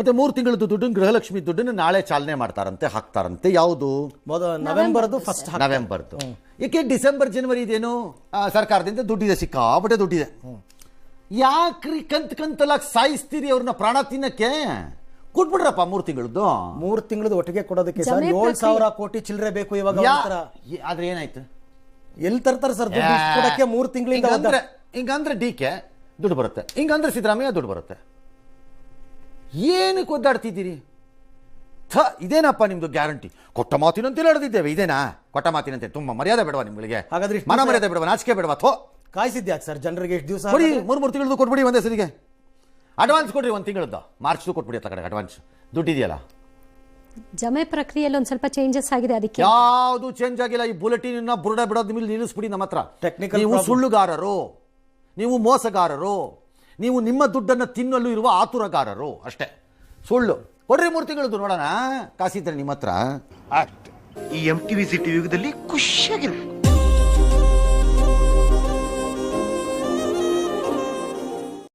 ಮತ್ತೆ 3 ತಿಂಗಳದ್ದು ದುಡ್ಡನ್ನು ಗೃಹಲಕ್ಷ್ಮಿ ದುಡ್ಡನ್ನು ನಾಳೆ ಚಾಲನೆ ಮಾಡ್ತಾರಂತೆ, ಹಾಕ್ತಾರಂತೆ. ಯಾವುದು? ನವೆಂಬರ್ದು ಫಸ್ಟ್. ನವೆಂಬರ್ದು. ಏಕೆ ಡಿಸೆಂಬರ್ ಜನವರಿ ಇದೇನು ಸರ್ಕಾರದಿಂದ ದುಡ್ಡಿದೆ, ಸಿಕ್ಕಾಪಟ್ಟೆ ದುಡ್ಡಿದೆ. ಯಾಕ್ರಿ ಕಂತಲಾಗಿ ಸಾಯಿಸ್ತೀರಿ ಅವ್ರನ್ನ ಪ್ರಾಣ ತಿನ್ನಕ್ಕೆ? ಕೊಟ್ಬಿಡ್ರಪ್ಪ 3 ತಿಂಗಳದ್ದು. 3 ತಿಂಗಳದ್ದು ಒಟ್ಟಿಗೆ ಕೊಡೋದಕ್ಕೆ ಸರ್ 7,000 ಕೋಟಿ ಚಿಲ್ಲರೆ ಬೇಕು ಇವಾಗ. ಆದ್ರೆ ಏನಾಯ್ತು? ಎಲ್ಲಿ ತರ್ತಾರೆ ಸರ್ ಕೊಡಕ್ಕೆ 3 ತಿಂಗಳಿಂದ? ಹಿಂಗಂದ್ರೆ ಡಿ.ಕೆ ದುಡ್ಡು ಬರುತ್ತೆ, ಹಿಂಗಂದ್ರೆ ಸಿದ್ದರಾಮಯ್ಯ ದುಡ್ಡು ಬರುತ್ತೆ. ಏನಕ್ಕೆ ಒದ್ದಾಡ್ತಿದ್ದೀರಿ? ಇದೇನಪ್ಪ ನಿಮ್ದು ಗ್ಯಾರಂಟಿ? ಕೊಟ್ಟ ಮಾತಿನಂತೆ ನಡೆದಿದ್ದೇವೆ. ಇದೇನಾ ಕೊಟ್ಟ ಮಾತಿನಂತೆ? ತುಂಬಾ ಮರ್ಯಾದೆ ಬೇಡವಾ ನಿಮ್ಗಳಿಗೆ? ಹಾಗಾದ್ರೆ ಮನ ಮರ್ಯಾದೆ ಬೇಡವಾ? ನಾಚಿಕೆ ಬೇಡವಾ? ಕಾಯಿಸಿದ್ಯಾಕೆ ಸರ್ ಜನರಿಗೆ? ಎಷ್ಟು ದಿವಸ ಕೊಡಿ? 3 ತಿಂಗಳದ್ದು ಕೊಟ್ಬಿಡಿ ಒಂದೇ ಸರಿಗೆ. ಅಡ್ವಾನ್ಸ್ ಕೊಡ್ರಿ 1 ತಿಂಗಳದ್ದು. ಮಾರ್ಚ್ದು ಕೊಟ್ಬಿಡಿ ಅತ್ತ ಕಡೆ ಅಡ್ವಾನ್ಸ್. ದುಡ್ಡಿದೆಯಲ್ಲ. ಜಮೆ ಪ್ರಕ್ರಿಯೆಯಲ್ಲಿ ಒಂದು ಸ್ವಲ್ಪ ಚೇಂಜಸ್ ಆಗಿದೆ, ಅದಕ್ಕೆ. ಯಾವುದು ಚೇಂಜ್ ಆಗಿಲ್ಲ. ಈ ಬುಲೆಟಿನ್ ಬುರುಡ ಬಿಡೋದ್ ಮೇಲೆ ನಿಲ್ಲಿಸ್ಬಿಡಿ. ನಮ್ಮ ಹತ್ರ ನೀವು ಸುಳ್ಳುಗಾರರು, ನೀವು ಮೋಸಗಾರರು, ನೀವು ನಿಮ್ಮ ದುಡ್ಡನ್ನು ತಿನ್ನಲು ಇರುವ ಆತುರಗಾರರು ಅಷ್ಟೇ. ಸುಳ್ಳು ಕೊಡ್ರಿ 3 ತಿಂಗಳದ್ದು ನೋಡೋಣ. ಕಾಸಿದ್ರೆ ನಿಮ್ಮ ಹತ್ರ. ಈ MTV ಸಿಟಿ ಯುಗದಲ್ಲಿ ಖುಷಿಯಾಗಿರ್ಬೇಕು.